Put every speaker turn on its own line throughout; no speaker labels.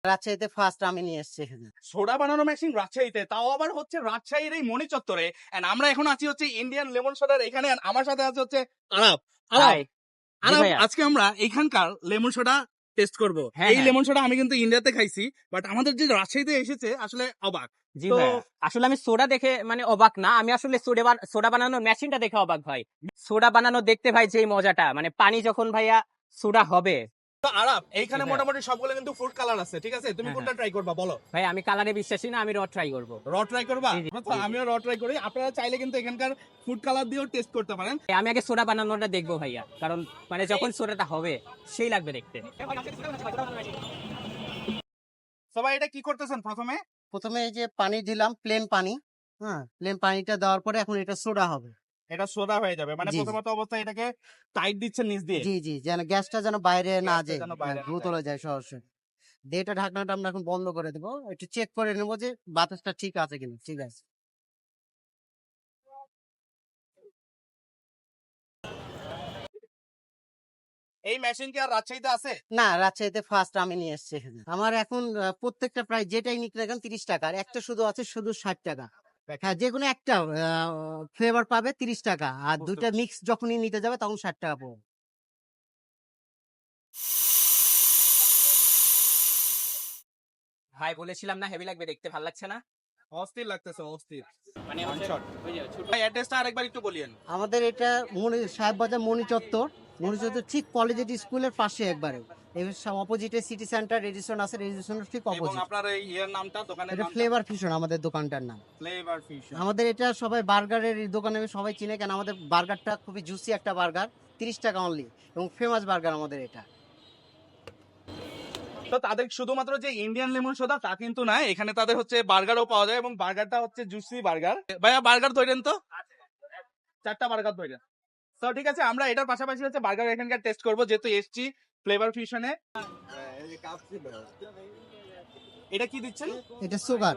রাজশাহীতে ফার্স্ট আমি নিয়ে এসেছি এখানে।
সোডা বানানো মেশিন রাজশাহীতে, তাও আবার হচ্ছে রাজশাহীর এই মণি চত্বরে। এন্ড আমরা এখন আছি হচ্ছে ইন্ডিয়ান লেমন সোডার এখানে, and আমার সাথে আছে হচ্ছে আরাব। আরাব,
হাই। জি
আরাব,
ভাইয়া।
আজকে আমরা এখানকার লেমন সোডা টেস্ট করব।
হ্যাঁ,
এই
হ্যাঁ।
লেমন সোডা আমি কিন্তু ইন্ডিয়াতে খাইছি, বাট আমাদের যে রাজশাহীতে এসেছে আসলে অবাক।
জি
তো
ভাইয়া, আসলে আমি সোডা দেখে মানে অবাক না, আমি আসলে সোডা বানানোর মেশিনটা দেখে অবাক ভাই। সোডা বানানো দেখতে ভাই যে মজাটা, মানে পানি যখন ভাইয়া সোডা হবে।
তো আরাব, এইখানে
জি ভাইয়া।
মোটামুটি সবগুলো কিন্তু ফুড কালার আছে, ঠিক আছে? তুমি
হ্যাঁ,
কোনটা ট্রাই করবা বলো?
ভাই আমি কালারে বিশ্বাসী না, আমি র ট্রাই করবো।
র ট্রাই করবা?
জি, জি,
আচ্ছা,
জি।
আমিও র ট্রাই করি। আপনারা চাইলে কিন্তু এখানকার ফুড কালার দিয়েও টেস্ট করতে পারেন।
আমি আগে সোডা বানানোটা দেখবো ভাইয়া, কারণ মানে যখন সোডাটা হবে সেই লাগবে দেখতে।
সবাই এটা কি করতেছেন প্রথমে?
প্রথমে এই যে পানি দিলাম, প্লেন পানি। হ্যাঁ, প্লেন পানিটা দেওয়ার পরে এখন এটা সোডা হবে।
এটা সোডা হয়ে যাবে, মানে
জি, জি।
প্রথমত অবস্থায় এটাকে টাইট দিচ্ছেন নিচ দিয়ে।
জি, জি, যেন গ্যাসটা যেন বাইরে না
গ্যাসটা
যায়,
যেন বাইরে না
দ্রুত
যায়।
চলে যায় সরাসরি। দিয়ে এটা ঢাকনাটা আমরা এখন বন্ধ করে দেবো। একটু চেক করে নেবো যে বাতাসটা ঠিক আছে কিনা। ঠিক আছে।
এই মেশিন কি আর রাজশাহীতে আছে?
না, রাজশাহীতে ফার্স্ট আমি নিয়ে এসেছি এখানে। আমার এখন প্রত্যেকটা প্রায় যেটাই নিক না কেন 30 টাকা, আর একটা শুধু আছে শুধু 60 টাকা। হ্যাঁ, যে কোনো একটা ফ্লেভার পাবে 30 টাকা, আর দুইটা মিক্স যখনই নিতে যাবে তখন 60 টাকা পড়বে।
ভাই বলেছিলাম না হেভি লাগবে দেখতে, ভালো লাগছে না?
অস্থির লাগতেছে, অস্থির।
মানে
One shot। ভাই অ্যাড্রেসটা আরেকবার একটু বলিয়েন।
আমাদের এটা সাহেববাজার মণি চত্বর। মণি চত্বর ঠিক কলেজিয়েট স্কুলের পাশে একবারে। এই অপোজিটে সিটি সেন্টার রেডিসন আছে, রেডিসনের ঠিক
এবং
অপোজিট।
আপনার এই ইয়ের নামটা, দোকানের
এটা
নামটা?
ফ্লেভার ফিউশন আমাদের দোকানটার নাম।
Flavour fusion.
আমাদের এটা সবাই বার্গারের দোকানে সবাই চিনে, কেন আমাদের বার্গারটা খুবই জুসি একটা বার্গার, 30 টাকা অনলি, এবং ফেমাস বার্গার আমাদের এটা।
তো তাদের শুধুমাত্র যে ইন্ডিয়ান লেমন সোডা তা কিন্তু না, এখানে তাদের হচ্ছে বার্গারও পাওয়া যায়, এবং বার্গারটা হচ্ছে জুসি বার্গার। ভাইয়া বার্গার ধরেন তো, 4টা বার্গার ধরেন। তো ঠিক আছে, আমরা এটার পাশাপাশি হচ্ছে বার্গার এখানকার টেস্ট করবো, যেহেতু এসছি ফ্লেভার ফিউশনে। এটা কি দিচ্ছেন?
এটা সুগার।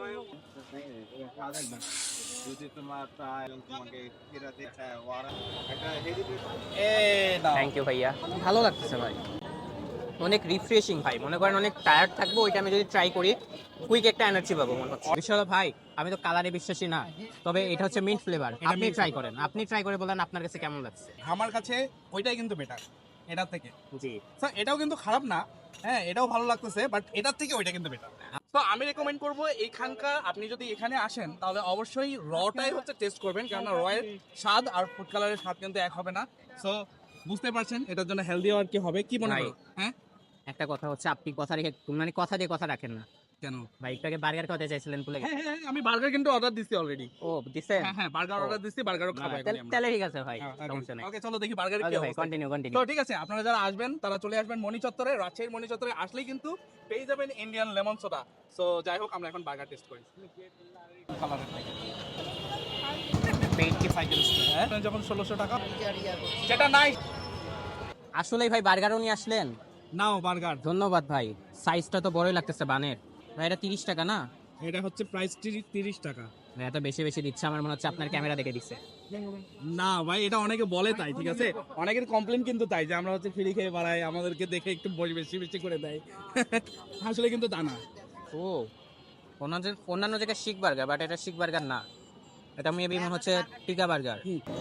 থ্যাংক ইউ ভাইয়া, ভালো লাগতেছে ভাই, অনেক রিফ্রেশিং ভাই। মনে করেন অনেক টায়ার্ড থাকবো, ওইটা আমি যদি ট্রাই করি কুইক একটা এনার্জি পাবো মনে হচ্ছে। বিষয় হলো ভাই, আমি তো কালারে বিশ্বাসী না, তবে এটা হচ্ছে মিন্ট ফ্লেভার। আপনি ট্রাই করেন, আপনি ট্রাই করে বলেন আপনার কাছে কেমন লাগছে।
আমার কাছে ওইটাই কিন্তু বেটার এটার থেকে।
জি,
স্যার এটাও কিন্তু খারাপ না, হ্যাঁ এটাও ভালো লাগতেছে, বাট এটার থেকে ওইটা কিন্তু বেটার। তো আমি রেকমেন্ড করবো এখানকার, আপনি যদি এখানে আসেন তাহলে অবশ্যই রটাই হচ্ছে টেস্ট করবেন, কারণ রয়ের স্বাদ আর ফুড কালারের স্বাদ কিন্তু এক হবে না। সো বুঝতে পারছেন এটার জন্য হেলদি আর কি হবে, কি মনে
ভাই।
হয়? হ্যাঁ,
একটা কথা হচ্ছে, আপনি কথা রেখে মানে কথা দিয়ে কথা রাখেন না
কেন?
ভাই। একটু আগে বার্গার খাওয়াতে চাইছিলেন ভুলে গেছেন।
হ্যাঁ, আমি বার্গার কিন্তু অর্ডার দিছি অলরেডি।
ও দিছেন?
হ্যাঁ হ্যাঁ, বার্গার
ও।
অর্ডার দিছি, বার্গারও খাবো এখন আমরা।
তাহলে ঠিক আছে ভাই,
হ্যাঁ,
সমস্যা নেই।
ওকে চলো দেখি বার্গারের কি
ওকে ভাই,
অবস্থা।
কন্টিনিউ
তো
কন্টিনিউ।
ঠিক আছে, আপনারা যারা আসবেন তারা চলে আসবেন মণি চত্বরে, রাজশাহীর মণি চত্বরে আসলেই কিন্তু পেয়ে যাবেন ইন্ডিয়ান লেমন সোডা। সো যাই হোক, আমরা এখন বার্গার টেস্ট করি। কালারের থেকে 85 হ্যাঁ, যখন 1600 টাকা, যেটা নাই।
আসলেই ভাই বার্গারও নিয়ে আসলেন,
নাও বার্গার।
ধন্যবাদ ভাই। সাইজটা তো বড়ই লাগতেছে বানের ভাই। এটা 30 টাকা না?
এটা হচ্ছে প্রাইস 30 টাকা।
ভাই এত বেশি বেশি দিচ্ছে, আমার মনে হচ্ছে আপনার ক্যামেরা দেখে দিচ্ছে।
না ভাই, এটা অনেকে বলে তাই, ঠিক আছে? অনেকের কমপ্লেন কিন্তু তাই, যে আমরা হচ্ছে ফ্রি খেয়ে বাড়াই, আমাদেরকে দেখে একটু বেশি বেশি করে দেয়। আসলে কিন্তু তা না।
ও, অন্যান্য জায়গায় শিক বার্গার, বাট এটা শিক বার্গার না, এটা মেবি মনে হচ্ছে টিকা বার্গার।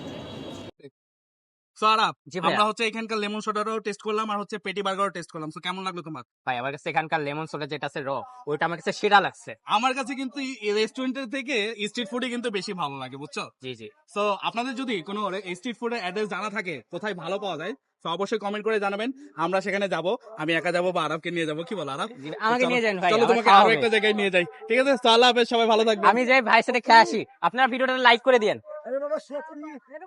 সো আরাপ,
জি ভাইয়া।
আমরা হচ্ছে এখানকার লেমন সোডারও টেস্ট করলাম, আর হচ্ছে পেটি বার্গারও টেস্ট করলাম। সো কেমন লাগলো তোমার?
ভাই আমার কাছে এখানকার লেমন সোডা যেটা আছে ওইটা আমার কাছে সেরা লাগছে।
আমার কাছে কিন্তু রেস্টুরেন্টের থেকে স্ট্রিট ফুডই কিন্তু বেশি ভালো লাগে, বুঝছো?
জি জি।
সো আপনাদের যদি কোনো স্ট্রিট ফুডের অ্যাড্রেস জানা থাকে, কোথায় ভালো পাওয়া যায়, তো অবশ্যই কমেন্ট করে জানাবেন, আমরা সেখানে যাব। আমি একা যাবো বা আরবকে নিয়ে যাবো, কি বল আরব?
জি, আমাকে নিয়ে যান ভাই,
চলো
আমার
তোমাকে
খাওয়া
আরো
হবে।
একটা জায়গায় নিয়ে যাই, ঠিক আছে? তো আল্লাহ হাফেজ, সবাই ভালো থাকবেন।
আমি যাই ভাইয়ের সাথে খেয়ে আসি। আপনার ভিডিওটা লাইক করে দিয়েন।